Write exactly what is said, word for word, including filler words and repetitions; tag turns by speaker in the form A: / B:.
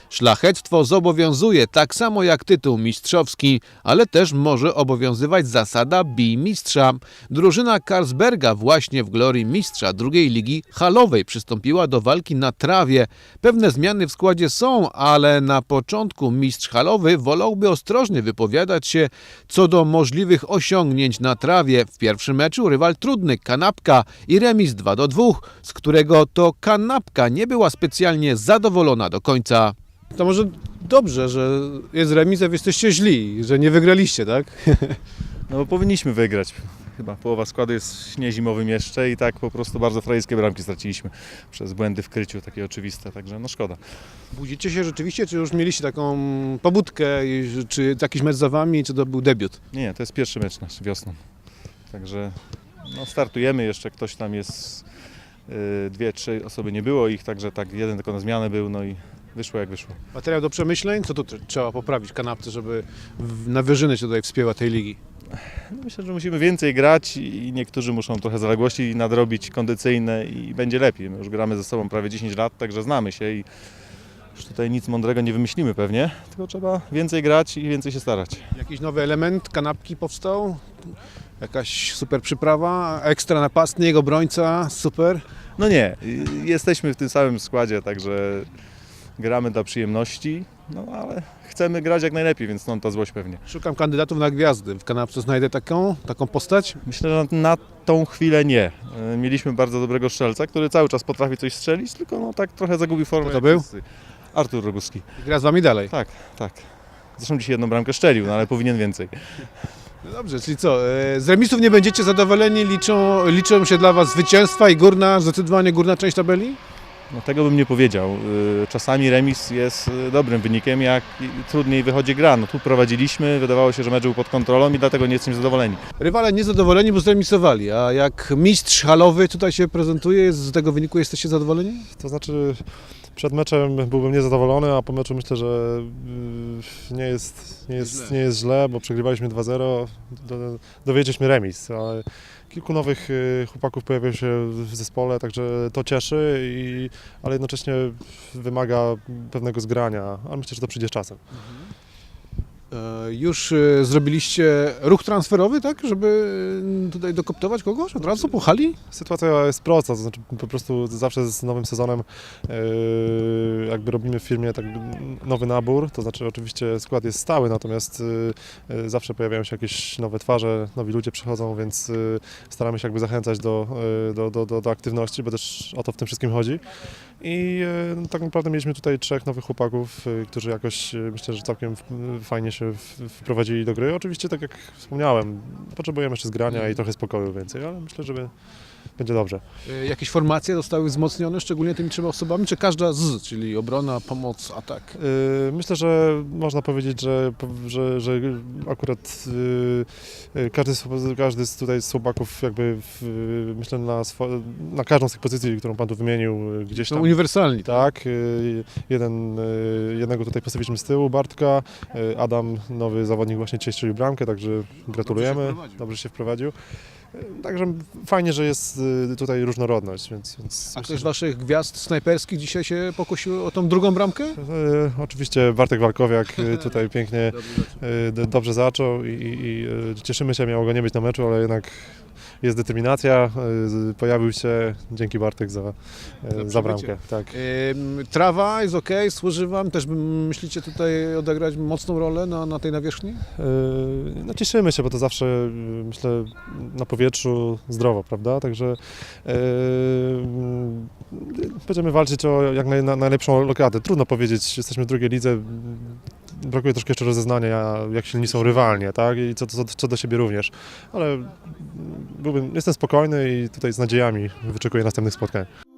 A: Szlachectwo zobowiązuje tak samo jak tytuł mistrzowski, ale też może obowiązywać zasada bij mistrza. Drużyna Carlsberga właśnie w glorii mistrza drugiej ligi halowej przystąpiła do walki na trawie. Pewne zmiany w składzie są, ale na początku mistrz halowy wolałby ostrożnie wypowiadać się co do możliwych osiągnięć na trawie. W pierwszym meczu rywal trudny, Kanapka i remis dwa do dwóch, z którego to Kanapka nie była specjalnie zadowolona do końca.
B: To może dobrze, że jest remis, a wy jesteście źli, że nie wygraliście, tak?
C: No bo powinniśmy wygrać. Chyba połowa składu jest niezimowym jeszcze i tak po prostu bardzo frajskie bramki straciliśmy przez błędy w kryciu, takie oczywiste, także no szkoda.
B: Budzicie się rzeczywiście, czy już mieliście taką pobudkę, czy jakiś mecz za wami, czy to był debiut?
C: Nie, nie, to jest pierwszy mecz nasz wiosną. Także no, startujemy, jeszcze ktoś tam jest, yy, dwie, trzy osoby nie było ich, także tak jeden tylko na zmianę był, no i wyszło jak wyszło.
B: Materiał do przemyśleń? Co tu tr- trzeba poprawić w Kanapce, żeby w, na wyżyny się tutaj wspięła tej ligi?
C: No, myślę, że musimy więcej grać i niektórzy muszą trochę zaległości nadrobić kondycyjne i będzie lepiej. My już gramy ze sobą prawie dziesięć lat, także znamy się i już tutaj nic mądrego nie wymyślimy pewnie, tylko trzeba więcej grać i więcej się starać.
B: Jakiś nowy element Kanapki powstał? Jakaś super przyprawa, ekstra napastnik, obrońca, super?
C: No nie, y, jesteśmy w tym samym składzie, także gramy dla przyjemności, no ale chcemy grać jak najlepiej, więc stąd ta złość pewnie.
B: Szukam kandydatów na gwiazdy. W Kanapce znajdę taką, taką postać?
C: Myślę, że na tą chwilę nie. Y, Mieliśmy bardzo dobrego strzelca, który cały czas potrafi coś strzelić, tylko no tak trochę zagubił formę.
B: Kto to
C: jak
B: był?
C: wszyscy. Artur Roguski.
B: I gra z wami dalej.
C: Tak, tak. Zresztą dzisiaj jedną bramkę szczelił, no ale powinien więcej.
B: No dobrze, czyli co, e, z remisów nie będziecie zadowoleni, liczą, liczą się dla was zwycięstwa i górna, zdecydowanie górna część tabeli?
C: No tego bym nie powiedział. Y, Czasami remis jest y, dobrym wynikiem, jak i- trudniej wychodzi gra. No tu prowadziliśmy, wydawało się, że mecz był pod kontrolą i dlatego nie jesteśmy zadowoleni.
B: Rywale niezadowoleni, bo zremisowali, a jak mistrz halowy tutaj się prezentuje, z tego wyniku jesteście zadowoleni?
D: To znaczy przed meczem byłbym niezadowolony, a po meczu myślę, że y, nie jest, nie jest, nie jest źle, bo przegrywaliśmy dwa zero, do- dowiedzieliśmy remis, ale kilku nowych y, chłopaków pojawiło się w zespole, także to cieszy, i, ale jednocześnie wymaga pewnego zgrania, ale myślę, że to przyjdzie z czasem.
B: E, Już e, zrobiliście ruch transferowy, tak, żeby e, tutaj dokoptować kogoś od razu po hali?
D: Sytuacja jest prosta, to znaczy po prostu zawsze z nowym sezonem yy, jakby robimy w firmie tak nowy nabór, to znaczy oczywiście skład jest stały, natomiast yy, yy, zawsze pojawiają się jakieś nowe twarze, nowi ludzie przychodzą, więc yy, staramy się jakby zachęcać do, yy, do, do, do, do aktywności, bo też o to w tym wszystkim chodzi. I yy, tak naprawdę mieliśmy tutaj trzech nowych chłopaków, yy, którzy jakoś yy, myślę, że całkiem yy, fajnie się w- wprowadzili do gry. Oczywiście, tak jak wspomniałem, potrzebujemy jeszcze zgrania i trochę spokoju więcej, ale myślę, że będzie dobrze.
B: E, Jakieś formacje zostały wzmocnione, szczególnie tymi trzema osobami, czy każda z, czyli obrona, pomoc, atak?
D: Yy, Myślę, że można powiedzieć, że, że, że akurat yy, yy, każdy, z- każdy z tutaj z chłopaków jakby w, myślę na, swo- na każdą z tych pozycji, którą Pan tu wymienił, yy, gdzieś
B: Są
D: tam.
B: uniwersalni, tak?
D: Tak, yy, jeden, yy, jednego tutaj postawiliśmy z tyłu, Bartka, yy, Adam, nowy zawodnik właśnie dzisiaj strzelił bramkę, także gratulujemy,
B: wprowadził.
D: dobrze się wprowadził. Yy, Także fajnie, że jest yy, tutaj różnorodność, więc, więc
B: A
D: myślę,
B: ktoś z
D: że-
B: waszych gwiazd snajperskich dzisiaj się pokusił o tą drugą bramkę?
D: E, Oczywiście Bartek Walkowiak e, tutaj pięknie, e, d- dobrze zaczął i, i, i e, cieszymy się, miało go nie być na meczu, ale jednak jest determinacja, e, z- pojawił się, dzięki Bartek za, e, za bramkę. Tak.
B: Ym, Trawa jest ok, służy wam, też bym- myślicie tutaj odegrać mocną rolę na, na tej nawierzchni?
D: E, No cieszymy się, bo to zawsze e, myślę na powietrzu zdrowo, prawda? Także e, m, będziemy walczyć o jak naj, na, najlepszą lokatę. Trudno powiedzieć, jesteśmy w drugiej lidze. Brakuje troszkę jeszcze rozeznania, jak silni są rywalnie, tak? I co, co, co do siebie również. Ale byłbym, jestem spokojny i tutaj z nadziejami wyczekuję następnych spotkań.